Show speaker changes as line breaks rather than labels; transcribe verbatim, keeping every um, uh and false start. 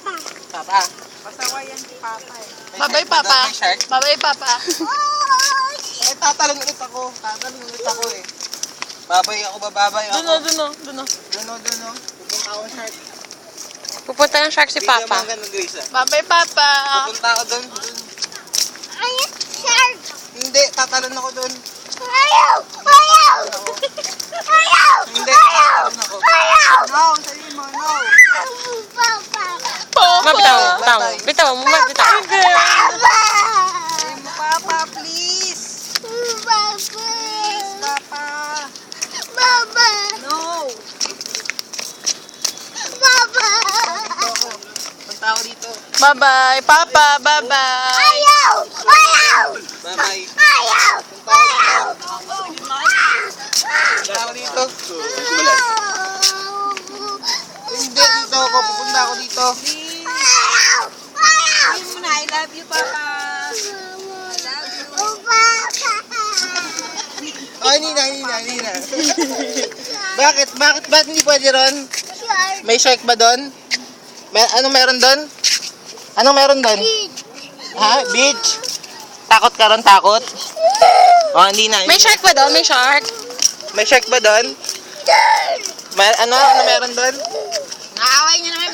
Papa.
Pasawayan si Papa eh.
May
Babay,
shark ba doon?
Papa.
May shark?
Babay, Papa.
Eh, tatalon ulit ako. Tatalon ulit ako eh. Babay ako, bababay ako.
Duno, duno, duno.
Duno, duno. Pupunta ako shark.
Pupunta ng shark si
Hindi
Papa.
naman ganun, Grace, ah.
Babay, Papa.
Pupunta ako doon. doon.
Ay, shark!
Hindi, tatalon ako doon.
Ayaw! Ayaw! Ayaw!
Hindi, tatalon ako.
Ayaw! No, sabihin mo, no. Papa!
Papa. Bitaw, bitaw. Bitaw mo, bitaw.
Papa!
Sabihin mo, Papa, please.
Papa!
Please, Papa.
Papa!
No.
Papa!
Punta ako. Punta ako dito.
Bye-bye, Papa. Bye-bye.
Ayaw! Ayaw!
Bye-bye.
Ayaw! Ayaw!
Punta ako dito. Hindi, dito ako. Pupunta ako dito.
Ayaw! Ayaw!
Sabihin mo na, I love you, Papa.
Ay, Nina, Nina, Nina. Bakit? Bakit? Bakit hindi pwede ron?
Shark!
May shark ba doon? May, anong meron doon? Anong meron doon? Ha? Beach? Takot ka ron? Takot? Oh, hindi na.
May shark ba doon? May shark?
May shark ba doon? May, ano? Ano meron doon?
Naaway niyo naman.